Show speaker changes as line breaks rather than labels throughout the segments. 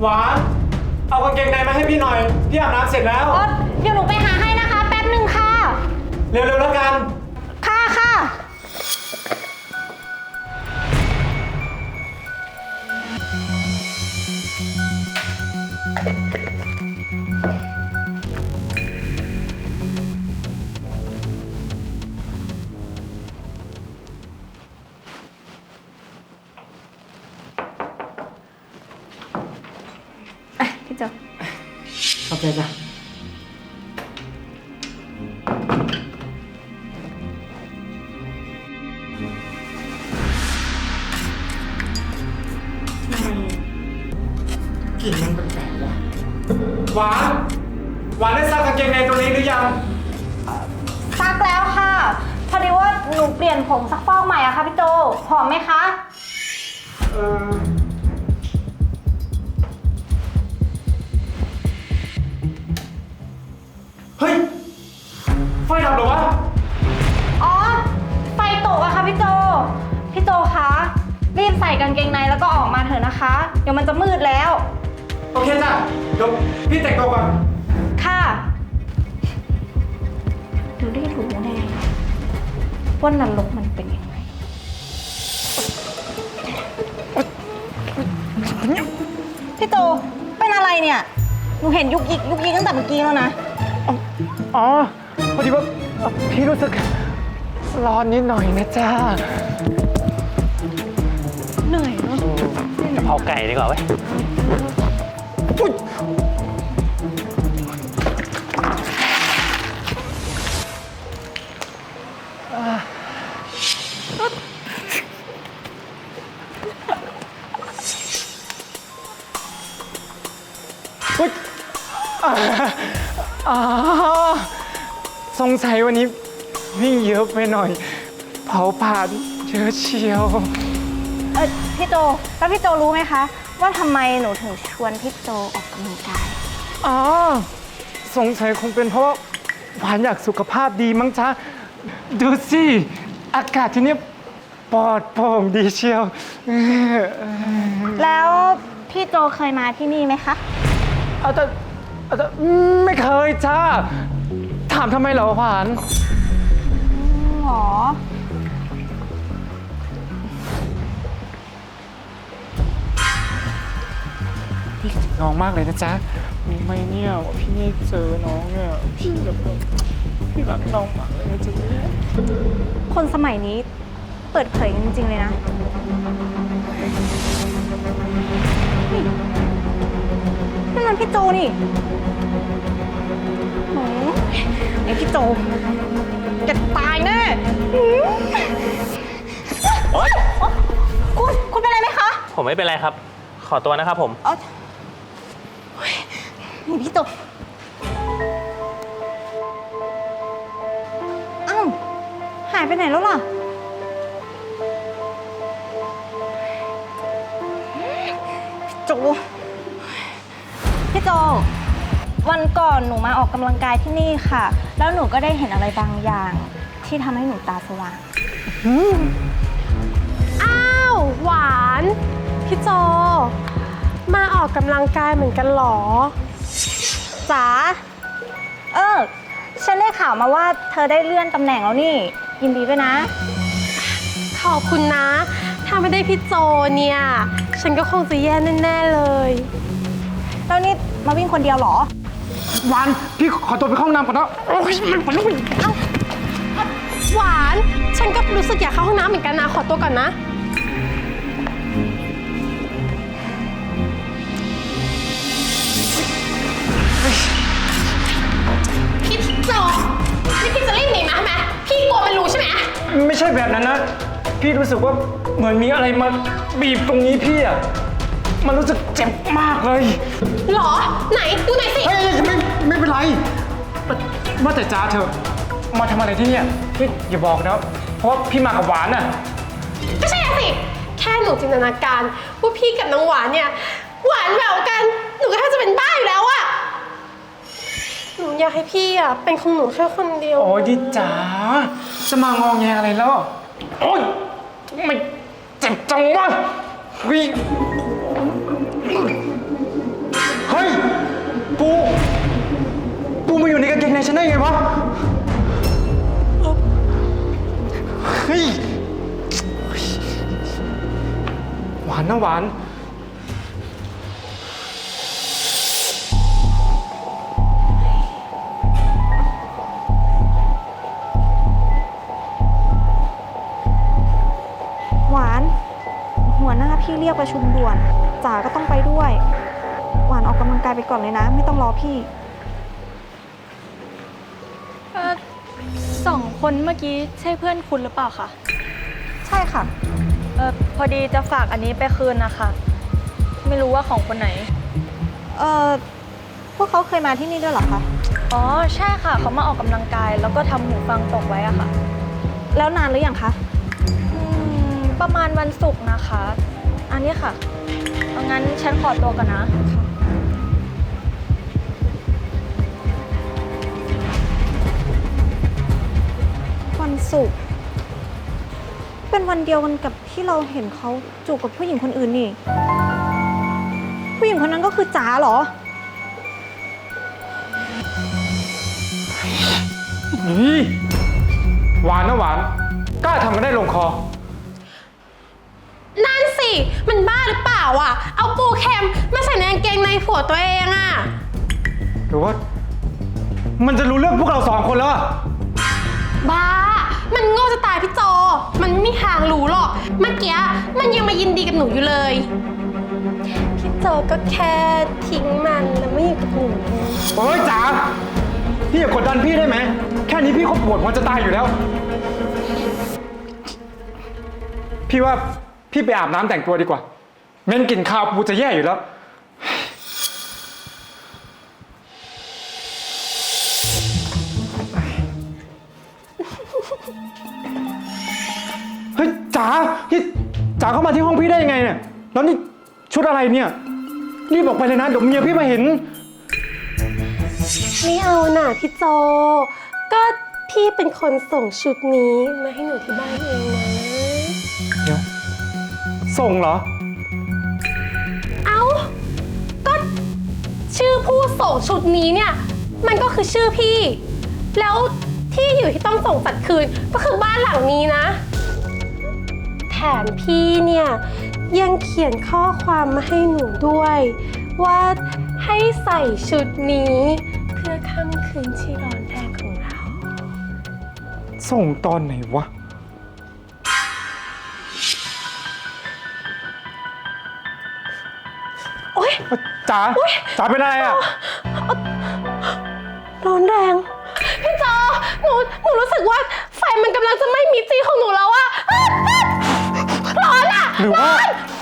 หวานเอากางเกงในมาให้พี่หน่อยพี่อาบน้ำเสร็จแล้ว
เดี๋ยวหนูไปหาให้นะคะแป๊บหนึ่งค่ะ
เร็วๆแล้วกัน
ค่ะค่ะพี่โจ
ขอบใจจ้ะกลิ่นมันแปลกๆว่ะหวานได้ซักกางเกงในตัวนี้หรือยัง
ซักแล้วค่ะพอดีว่าหนูเปลี่ยนผงซักฟอกใหม่อะค่ะพี่โจหอมไหมคะ
เฮ้ยไฟดับเหรอวะ
อ๋อไฟตกอะค่ะพี่โจคะรีบใส่กางเกงในแล้วก็ออกมาเถอะนะคะเดี๋ยวมันจะมืดแล้ว
โอเคจ้ะเดี๋ยวพี่แต่งตัวก่อน
ค่ะดูได้รู้แน่ว่านรกมันเป็นยังไงพี่โจเป็นอะไรเนี่ยหนูเห็นยุกยิกตั้งแต่เมื่อกี้แล้วนะ
อ๋อพอดีว่าพี่รู้สึกร้อนนิดหน่อยนะจ้า
เหนื่อยเนาะ
กะเพราไก่ดีกว่าเว้ย
สงสัยวันนี้วิ่งเยอะไปหน่อยเผาผลาญเยอะเชียว
พี่โจแล้วพี่โจรู้ไหมคะว่าทำไมหนูถึงชวนพี่โจออกกำลังกาย
สงสัยคงเป็นเพราะหวานอยากสุขภาพดีมั้งจ๊ะดูสิอากาศที่นี่ปลอดโปร่งดีเชียว
แล้วพี่โจเคยมาที่นี่ไหมคะ
แต่ไม่เคยจ้าถามทำไมเหรอหวาน
หรอ
พี่น้องมากเลยนะจ๊ะรู้ไหมเนี่ยว่าพี่ไม่เจอน้องเนี่ยพี่รักน้องมากเลยนะจ๊ะ
คนสมัยนี้เปิดเผยกันจริงๆเลยนะนี่มันพี่โจนี่โอ้ไอพี่โจจะตายแน่คุณเป็นอะไรไหมคะ
ผมไม่เป็นไรครับขอตัวนะครับผม
นี่พี่โจอ้าวหายไปไหนแล้วล่ะพี่โจวันก่อนหนูมาออกกำลังกายที่นี่ค่ะแล้วหนูก็ได้เห็นอะไรบางอย่างที่ทำให้หนูตาสว่าง
อ้าวหวานพี่โจมาออกกำลังกายเหมือนกันหรอ
จ๋าฉันได้ข่าวมาว่าเธอได้เลื่อนตำแหน่งแล้วนี่ยินดีด้วยนะ
ขอบคุณนะถ้าไม่ได้พี่โจเนี่ยฉันก็คงจะแย่แน่ๆเลย
แล้วนี่มาวิ่งคนเดียวเหรอ
วันพี่ขอตัวไปเข้าห้องน้ำก่อนนะมันต้อง
หวานฉันก็รู้สึกอยากเข้าห้องน้ำเหมือนกันนะขอตัวก่อนนะพี่โจนี่พี่จะรีบหนีมาใช่ไหมพี่กลัวมันรู้ใช่ไหม
ไม่ใช่แบบนั้นนะพี่รู้สึกว่าเหมือนมีอะไรมาบีบตรงนี้พี่อะมันรู้สึกเจ็บมากเลย
หรอไหนดูหน่อยสิ
ไม่เป็นไรว่าแต่จ้าเธอมาทำอะไรที่นี่พี่อย่าบอกนะเพราะว่าพี่มากับหวานน่ะ
ก็ใช่สิแค่หนูจินตนาการว่าพี่กับน้องหวานเนี่ยหวานแหววกันหนูก็แทบจะเป็นบ้าอยู่แล้วอะหนูอยากให้พี่อะเป็นของหนูแค่คนเดียว
โอ้ยดิจ๋าจะมางอแงอะไรแล้วโอ๊ยไม่เจ็บจังวะปูมาอยู่ในกางเกงในฉันได้ไงวะ เฮ้ย หวานนะหวาน
หวาน หัวหน้าพี่เรียกประชุมด่วนจ๋าก็ต้องไปด้วย หวานออกกำลังกายไปก่อนเลยนะ ไม่ต้องรอพี่
สองคนเมื่อกี้ใช่เพื่อนคุณหรือเปล่าคะ
ใช่ค่ะ
พอดีจะฝากอันนี้ไปคืนนะคะ ไม่รู้ว่าของคนไหน
พวกเขาเคยมาที่นี่ด้วยเหรอคะ
อ๋อใช่ค่ะเขามาออกกำลังกายแล้วก็ทำหูฟังตกไว้อะค่ะ
แล้วนานหรือยังคะ
ประมาณวันศุกร์นะคะ อันนี้ค่ะเอางั้นฉันขอตัวก่อนนะ
วันศุกร์เป็นวันเดียวกันกับที่เราเห็นเขาจูบกับผู้หญิงคนอื่นนี่ ผู้หญิงคนนั้นก็คือจ๋าเหรอ
นี่หวานนะหวาน กล้าทำกันได้ลงคอ
นั่นสิ มันบ้าหรือเปล่าอ่ะ เอาปูเค็มมาใส่ในกางเกงในผัวตัวเองอ่ะ
หรือว่า มันจะรู้เรื่องพวกเราสองคนแล้วอะ
บ้า มันโง่จะตายพี่โจ มันไม่มีทางรู้หรอก เมื่อกี้มันยังมายินดีกับหนูอยู่เลย พี่โจก็แค่ทิ้งมันแล้วไม่อยู่กับหนู
โอ้ยจ๋า พี่อย่ากดดันพี่ได้ไหม แค่นี้พี่ก็ปวดหัวจะตายอยู่แล้ว พี่ว่าพี่ไปอาบน้ำแต่งตัวดีกว่าเม้นกลิ่นข้าวปูจะแย่อยู่แล้ว เฮ้ยจ๋านี่จ๋าเข้ามาที่ห้องพี่ได้ยังไงเนี่ย แล้วนี่ชุดอะไรเนี่ย รีบออกไปเลยนะเดี๋ยวเมียพี่มาเห็น
ไม่เอาน่ะพี่โจ ก็พี่เป็นคนส่งชุดนี้มาให้หนูที่บ้านเองนะ
เดี๋ยว ส่งเหรอ
เอ้า ก็ชื่อผู้ส่งชุดนี้เนี่ย มันก็คือชื่อพี่ แล้วที่อยู่ที่ต้องส่งจัดคืนก็คือบ้านหลังนี้นะ แถมพี่เนี่ยยังเขียนข้อความมาให้หนูด้วย ว่าให้ใส่ชุดนี้เพื่อค่ำคืนที่ร้อนแรงของเรา
ส่งตอนไหนวะ
โอ๊ย
จ๋า จ๋าเป็นอะไรอ่ะ
ร้อนแรง พี่จอหนูรู้สึกว่าไฟมันกำลังจะไหม้มิดจีของหนูแล้วอะร้อนอะ
หรือว่า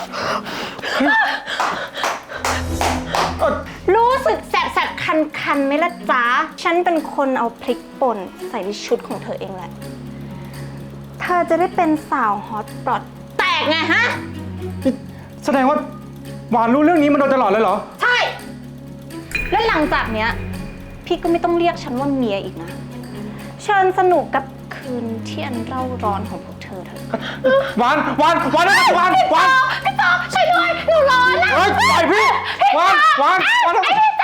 รู้สึกแสบๆคันๆไหมล่ะจ๊ะ ฉันเป็นคนเอาพริกป่นใส่ในชุดของเธอเองแหละ เธอจะได้เป็นสาวฮอตปลอดแตกไงฮะ
แสดงว่าหวานรู้เรื่องนี้มาโดยตลอดเลยเหรอ
ใช่ และหลังจากเนี้ย พี่ก็ไม่ต้องเรียกฉันว่าเมียอีกนะ เชิญสนุกกับคืนที่อันเร่าร้อนของพวกเธอเถอะ
หวานนะหวาน
พี่จอช่วยด้วยหนูร้อนนะ
เฮ้ยปล่อยพี่ หวาน
ไอ้พี่